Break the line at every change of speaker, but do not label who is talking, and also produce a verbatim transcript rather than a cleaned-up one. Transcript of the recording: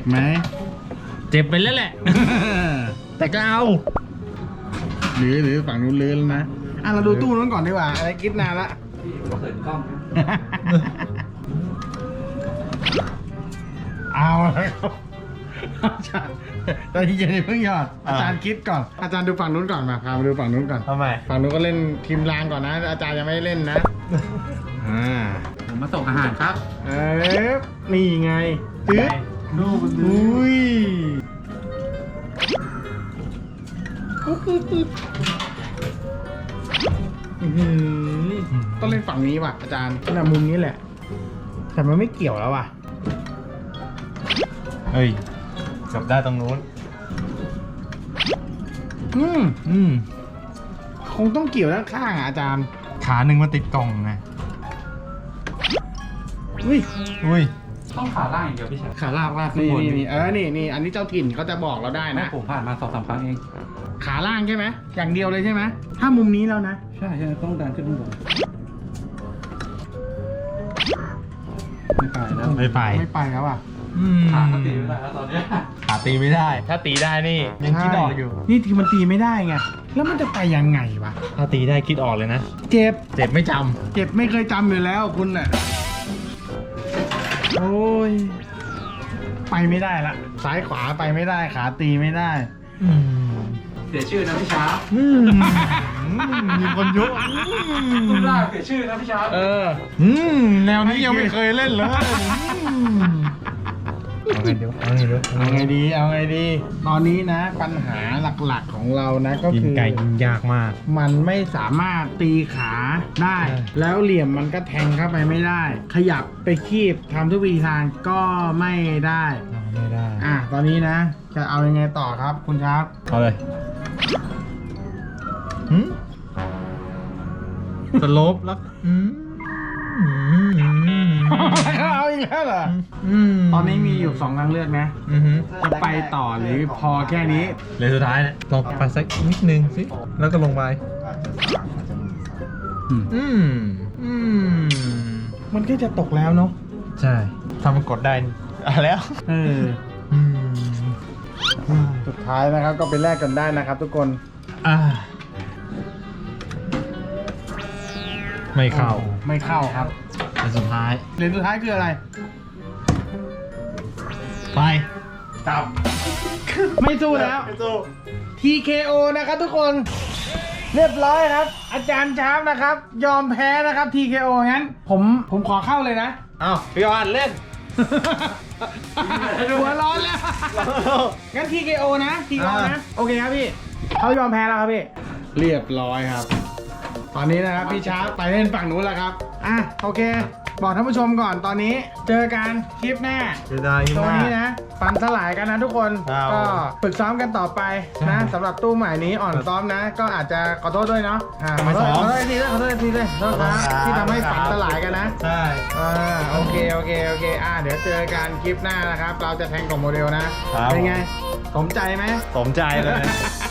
ไหม
เจ็บไปแล้วแหละ แต่ก็เอา
หรือหรือฝั่งนู้นลื้อแล้วนะอ่ะเราดูตู้นู้นก่อนดีกว่าอะไรคิดนานละ
เปิดกล้อง
เอาเลยครับอาจารย์ตอนที่เย็นเพิ่งหยอดอาจารย์คิดก่อนอาจารย์ดูฝั่งนู้นก่อนมาพามาดูฝั่งนู้นก่อน
ทำไม
ฝั่งนู้นก็เล่นทีมรางก่อนนะอาจารย์ยังไม่เล่นนะอ่า
ผมมาส่งอาหารครับ
เอ๊ะนี่ไงตึ๊ด
ดูมันดู
อุ้ยอุ๊บอุ๊บอุ๊บอื้อหือต้องเล่นฝั่งนี้ว่ะอาจารย์น่ะมุมนี้แหละ แต่มันไม่เกี่ยวแล้วว่ะ
เฮ้ยเกือบได้ตรงนู้น
อืม
อืม
คงต้องเกี่ยวด้านข้างอ่ะอาจารย์
ขาหนึ่งมันติดกล่องไง
อุ้ย
อุ้ย
ต้องขาล่างอย่างเดียวพี่ชาย
ขาลากลากนี่นี่นี่เออนี่นี่อันนี้เจ้าถิ่นเขาจะบอกเราได้
นะ
นะ
ผมผ่านมาสองสามครั้งเอง
ขาล่างใช่ไหมอย่างเดียวเลยใช่ไหมถ้ามุมนี้แล้วนะ
ใช่ใช่ต้องดันขึ้นข้างบนไม่ไปแล้ว
ไม่ไป
ไม่ไปแล้วอ่ะ
ขาก็ตีไม่ได้แล้วตอนเนี้ย
ขาตีไม่ได้ ถ้าตีได้นี่ยังคิดออกอยู่
นี่ทีมันตีไม่ได้ไงแล้วมันจะไปยังไงวะ
ถ้าตีได้คิดออกเลยนะ
เจ็บ
เจ็บไม่จ
เจ็บไม่เคยจำอยู่แล้วคุณน่ะโอ้ยไปไม่ได้ละซ้ายขวาไปไม่ได้ขาตีไม่ได้
ำอืม
เสียชื่อนะพี่ช้า
อืมมีคนยุ
รูปร่างเสียชื่อนะพี่ช้า
เออ
อืมแนวนี้ยังไม่เคยเล่นเลยเอาไงดีเอาไงดี
เอาไงดีเอาไงดี ตอนนี้นะ ปัญหาหลักๆของเรานะก็
กิน
คือ
ไก่ยิงยากมาก
มันไม่สามารถตีขาได้
ใช่
แล้วเหลี่ยมมันก็แทงเข้าไปไม่ได้ ขยับไปคีบทำทุกวิธีทางก็ไม่ได้
เอาไม่ได้
อ่ะตอนนี้นะ จะเอายังไงต่อครับคุณครับ
เอาเลยหืมสโลปแล้วอืมอืมอืม
เอาอีกแล้วเหรอ
อืม
ตอนนี้มีอยู่สองทางเลือกนะ
อือหือ
จะไปต่อหรือพอแค่นี้
เลยสุดท้ายเนี่ยลองไปสักนิดนึงสิ แล้วก็ลงไป
อืม
อืม อืม
มันก็จะตกแล้วเนาะ
ใช่ถ้ามันกดได้อ่ะแล้ว
เออ
อืม
สุดท้ายนะครับก็ไปแลกกันได้นะครับทุกคน
อ่า ไม่เข้า
ไม่เข้าครับ
แต่สุดท้าย
เหรียญสุดท้ายคืออะไร
ไป
จับ ไม่สู้แล้ว
ไม่สู้
ที เค โอ นะครับทุกคน เรียบร้อยครับ อาจารย์ชาร์ปนะครับ ยอมแพ้นะครับ ที เค โอ งั้น ผมผมขอเข้าเลยนะ
อ้าวพี่ออนเล่น
หัวร้อนแล้ว งั้น ที เค โอ นะ ที เค โอ นะ โอเคครับพี่ เขายอมแพ้แล้วครับพี่ เรียบร้อยครับ ตอนนี้นะครับพี่ชาร์ปไปเล่นฝั่งนู้นแล้วครับ อ่ะโอเค บอกท่านผู้ชมก่อนตอนนี้ เจอกันคลิปหน้า
เสียดาย
ตัว
มาก
นี้นะปันสลายกันนะทุกคน
ครับ
ก็ฝึกซ้อมกันต่อไปนะ
ใช่
สำหรับตู้ใหม่นี้อ่อนซ้อมนะ ก็อาจจะขอโทษด้วยเนาะอ่าข
ไม่
อโทษ
ซ้อม
ขอโทษทีด้วยขอโทษทีด้วยขอโทษครับ
ขอโทษครับ
ที่ทำให้ฝันสลายกันนะ
ใช่
อ่าโอเคโอเคโอเคอ่าเดี๋ยวเจอกันคลิปหน้านะครับ เราจะแทงกล่องโมเดลนะ เป็นไงสมใจไหม
สมใจเลย